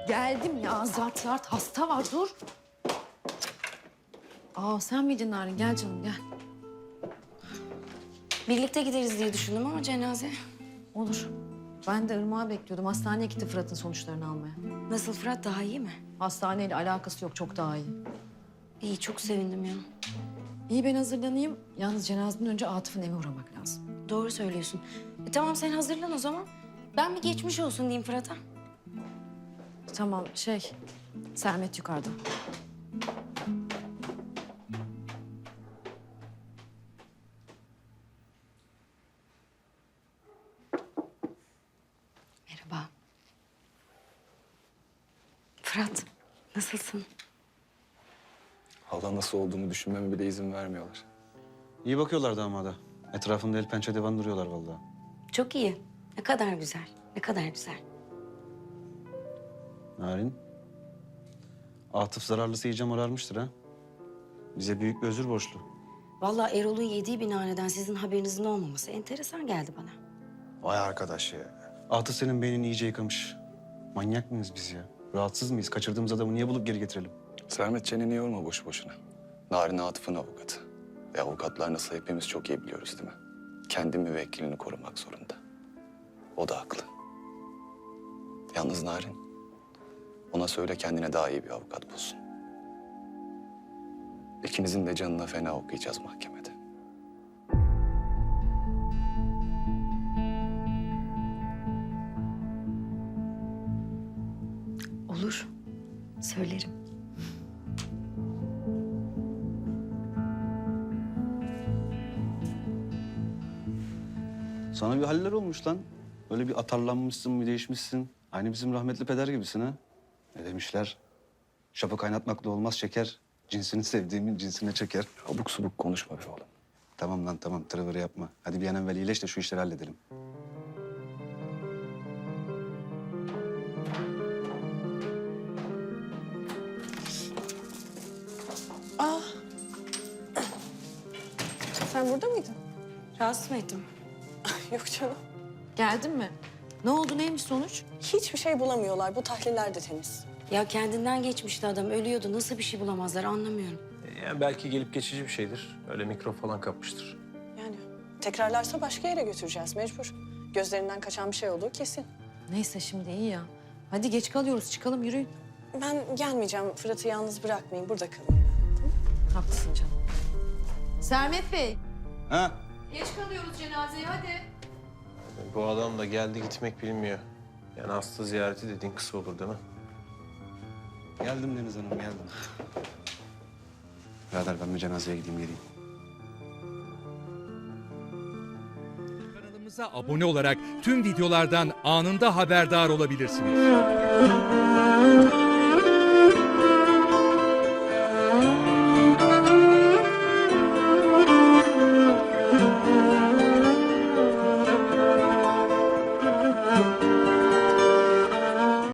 Geldim ya, zart zart hasta var, dur. Aa, sen miydin Narin? Gel canım, gel. Birlikte gideriz diye düşündüm ama cenaze. Olur. Ben de Irmak'ı bekliyordum. Hastaneye gitti Fırat'ın sonuçlarını almaya. Nasıl Fırat, daha iyi mi? Hastaneyle alakası yok, çok daha iyi. İyi, çok sevindim ya. İyi, ben hazırlanayım. Yalnız cenazeden önce Atıf'ın eve uğramak lazım. Doğru söylüyorsun. Tamam, sen hazırlan o zaman. Ben bir geçmiş olsun diyeyim Fırat'a. Tamam, Sermet yukarıda. Merhaba. Fırat, nasılsın? Hala nasıl olduğumu düşünmeme bile izin vermiyorlar. İyi bakıyorlar damada. Etrafında el pençe divan duruyorlar vallahi. Çok iyi. Ne kadar güzel, ne kadar güzel. Narin. Atıf zararlısı iyice morarmıştır ha. Bize büyük bir özür borçlu. Vallahi Erol'un yediği binaneden sizin haberinizin olmaması enteresan geldi bana. Vay arkadaş ya. Atıf senin beynini iyice yıkamış. Manyak mıyız biz ya? Rahatsız mıyız? Kaçırdığımız adamı niye bulup geri getirelim? Sermet çeneni yorma boşu boşuna. Narin Atıf'ın avukatı. Ve avukatlar nasıl hepimiz çok iyi biliyoruz değil mi? Kendi müvekkilini korumak zorunda. O da haklı. Yalnız Narin, ona söyle kendine daha iyi bir avukat bulsun. İkinizin de canına fena okuyacağız mahkemede. Olur, söylerim. Sana bir haller olmuş lan. Böyle bir atarlanmışsın, bir değişmişsin. Aynı bizim rahmetli peder gibisin ha. Ne demişler? Şapı kaynatmakla olmaz şeker. Cinsini sevdiğimin cinsine çeker. Abuk subuk konuşma be oğlum. Tamam lan tamam, tırıvırı yapma. Hadi bir an evvel iyileş de şu işleri halledelim. Sen burada mıydın? Rahatsız mı ettim? Yok canım. Geldin mi? Ne oldu, neymiş sonuç? Hiçbir şey bulamıyorlar. Bu tahliller de temiz. Ya kendinden geçmişti adam, ölüyordu. Nasıl bir şey bulamazlar anlamıyorum. Yani belki gelip geçici bir şeydir. Öyle mikrop falan kapmıştır. Yani tekrarlarsa başka yere götüreceğiz mecbur. Gözlerinden kaçan bir şey olduğu kesin. Neyse, şimdi iyi ya. Hadi geç kalıyoruz, çıkalım, yürüyün. Ben gelmeyeceğim. Fırat'ı yalnız bırakmayın. Burada kalayım ben. Haklısın canım. Sermet Bey. Ha? Geç kalıyoruz cenazeye, hadi. Bu adam da geldi gitmek bilmiyor. Yani hasta ziyareti dediğin kısa olur değil mi? Geldim Deniz Hanım, geldim. Birader ben bir cenazeye gideyim geleyim. Kanalımıza abone olarak tüm videolardan anında haberdar olabilirsiniz.